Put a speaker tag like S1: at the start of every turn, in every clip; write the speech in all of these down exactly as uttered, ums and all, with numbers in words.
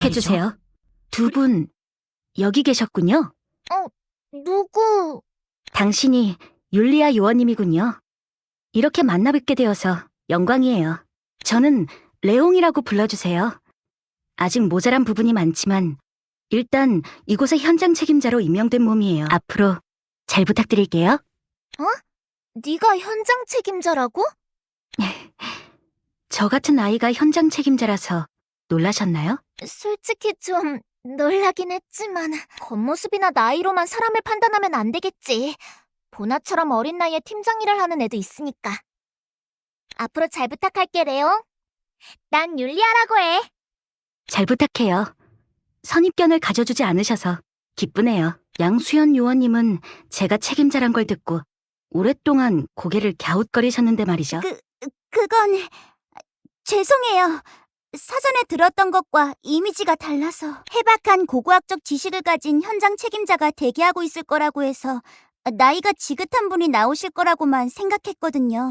S1: 해주세요. 두 분 여기 계셨군요.
S2: 어, 누구?
S1: 당신이 율리아 요원님이군요. 이렇게 만나뵙게 되어서 영광이에요. 저는 레옹이라고 불러주세요. 아직 모자란 부분이 많지만 일단 이곳의 현장 책임자로 임명된 몸이에요. 앞으로 잘 부탁드릴게요.
S2: 네가 현장 책임자라고?
S1: 저 같은 아이가 현장 책임자라서 놀라셨나요?
S2: 솔직히 좀 놀라긴 했지만 겉모습이나 나이로만 사람을 판단하면 안 되겠지. 보나처럼 어린 나이에 팀장 일을 하는 애도 있으니까. 앞으로 잘 부탁할게, 레옹. 난 율리아라고 해.
S1: 잘 부탁해요. 선입견을 가져주지 않으셔서 기쁘네요. 양수연 요원님은 제가 책임자란 걸 듣고 오랫동안 고개를 갸웃거리셨는데 말이죠.
S3: 그, 그건... 죄송해요. 사전에 들었던 것과 이미지가 달라서 해박한 고고학적 지식을 가진 현장 책임자가 대기하고 있을 거라고 해서 나이가 지긋한 분이 나오실 거라고만 생각했거든요.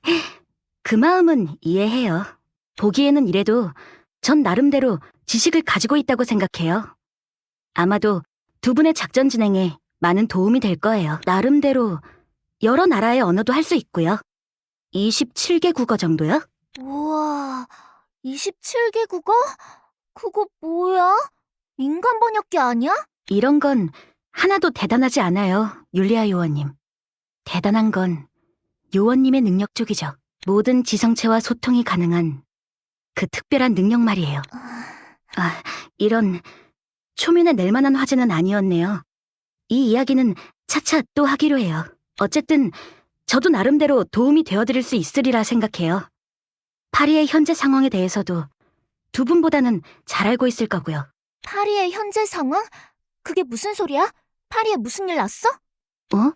S1: 그 마음은 이해해요. 보기에는 이래도 전 나름대로 지식을 가지고 있다고 생각해요. 아마도 두 분의 작전 진행에 많은 도움이 될 거예요. 나름대로 여러 나라의 언어도 할 수 있고요. 이십칠 개 국어 정도요?
S2: 우와, 이십칠 개 국어? 그거 뭐야? 인간 번역기 아니야?
S1: 이런 건 하나도 대단하지 않아요, 율리아 요원님. 대단한 건 요원님의 능력 쪽이죠. 모든 지성체와 소통이 가능한 그 특별한 능력 말이에요. 아, 이런 초면에 낼 만한 화제는 아니었네요. 이 이야기는 차차 또 하기로 해요. 어쨌든 저도 나름대로 도움이 되어드릴 수 있으리라 생각해요. 파리의 현재 상황에 대해서도 두 분보다는 잘 알고 있을 거고요.
S2: 파리의 현재 상황? 그게 무슨 소리야? 파리에 무슨 일 났어?
S1: 어?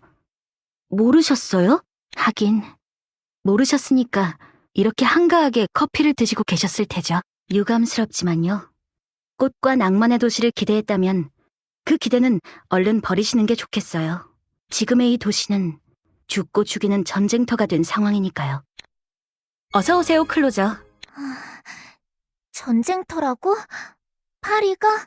S1: 모르셨어요? 하긴 모르셨으니까 이렇게 한가하게 커피를 드시고 계셨을 테죠. 유감스럽지만요. 꽃과 낭만의 도시를 기대했다면 그 기대는 얼른 버리시는 게 좋겠어요. 지금의 이 도시는 죽고 죽이는 전쟁터가 된 상황이니까요. 어서 오세요, 클로저.
S2: 전쟁터라고? 파리가?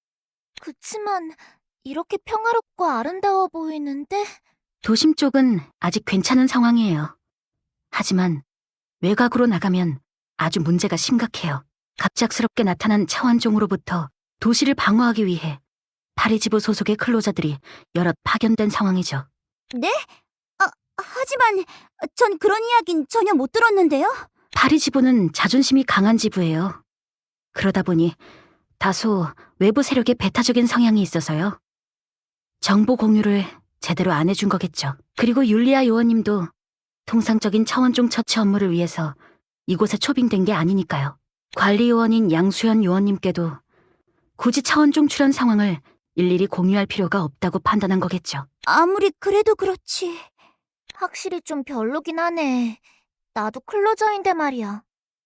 S2: 그치만 이렇게 평화롭고 아름다워 보이는데?
S1: 도심 쪽은 아직 괜찮은 상황이에요. 하지만 외곽으로 나가면 아주 문제가 심각해요. 갑작스럽게 나타난 차원종으로부터 도시를 방어하기 위해 파리지부 소속의 클로저들이 여럿 파견된 상황이죠.
S3: 네? 아, 하지만 전 그런 이야긴 전혀 못 들었는데요.
S1: 파리지부는 자존심이 강한 지부예요. 그러다 보니 다소 외부 세력의 배타적인 성향이 있어서요. 정보 공유를 제대로 안 해준 거겠죠. 그리고 율리아 요원님도 통상적인 차원종 처치 업무를 위해서 이곳에 초빙된 게 아니니까요. 관리 요원인 양수연 요원님께도 굳이 차원종 출연 상황을 일일이 공유할 필요가 없다고 판단한 거겠죠.
S3: 아무리 그래도 그렇지.
S2: 확실히 좀 별로긴 하네. 나도 클로저인데 말이야.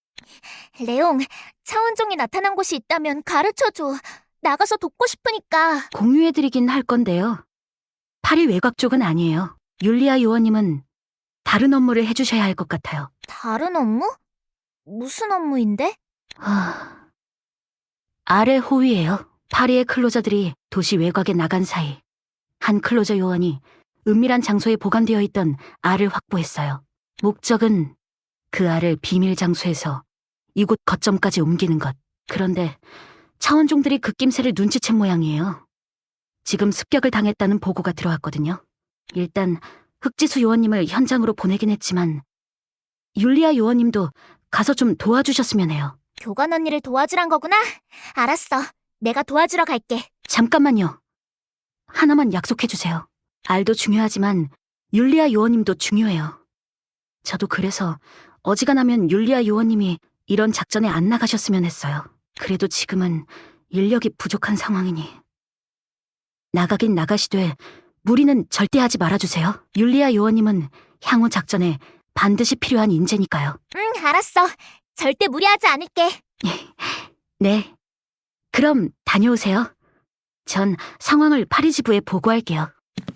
S2: 레옹, 차원종이 나타난 곳이 있다면 가르쳐줘. 나가서 돕고 싶으니까.
S1: 공유해드리긴 할 건데요. 파리 외곽 쪽은 아니에요. 율리아 요원님은 다른 업무를 해주셔야 할 것 같아요.
S2: 다른 업무? 무슨 업무인데?
S1: 하... 아래 호위예요. 파리의 클로저들이 도시 외곽에 나간 사이 한 클로저 요원이 은밀한 장소에 보관되어 있던 알을 확보했어요. 목적은 그 알을 비밀 장소에서 이곳 거점까지 옮기는 것. 그런데 차원종들이 그 낌새를 눈치챈 모양이에요. 지금 습격을 당했다는 보고가 들어왔거든요. 일단 흑지수 요원님을 현장으로 보내긴 했지만 율리아 요원님도 가서 좀 도와주셨으면 해요.
S2: 교관 언니를 도와주란 거구나? 알았어. 내가 도와주러 갈게.
S1: 잠깐만요. 하나만 약속해주세요. 알도 중요하지만 율리아 요원님도 중요해요. 저도 그래서 어지간하면 율리아 요원님이 이런 작전에 안 나가셨으면 했어요. 그래도 지금은 인력이 부족한 상황이니 나가긴 나가시되 무리는 절대 하지 말아주세요. 율리아 요원님은 향후 작전에 반드시 필요한 인재니까요.
S2: 응, 알았어. 절대 무리하지 않을게.
S1: 네. 그럼 다녀오세요. 전 상황을 파리지부에 보고할게요.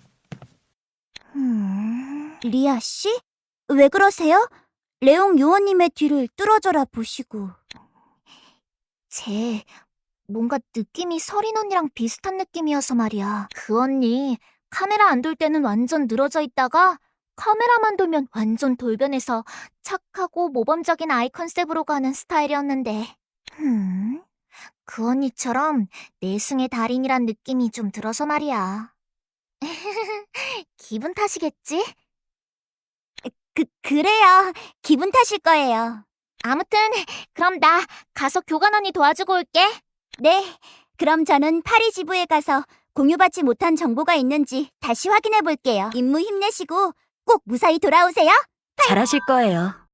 S3: 음... 리아 씨? 왜 그러세요? 레옹 요원님의 뒤를 뚫어져라 보시고.
S2: 쟤 뭔가 느낌이 서린 언니랑 비슷한 느낌이어서 말이야. 그 언니 카메라 안 돌 때는 완전 늘어져 있다가 카메라만 돌면 완전 돌변해서 착하고 모범적인 아이 컨셉으로 가는 스타일이었는데. 음, 그 언니처럼 내숭의 달인이란 느낌이 좀 들어서 말이야. 기분 탓이겠지?
S3: 그, 그래요. 기분 탓일 거예요.
S2: 아무튼 그럼 나 가서 교관 언니 도와주고 올게.
S3: 네, 그럼 저는 파리 지부에 가서 공유받지 못한 정보가 있는지 다시 확인해 볼게요. 임무 힘내시고 꼭 무사히 돌아오세요.
S1: 잘하실 거예요.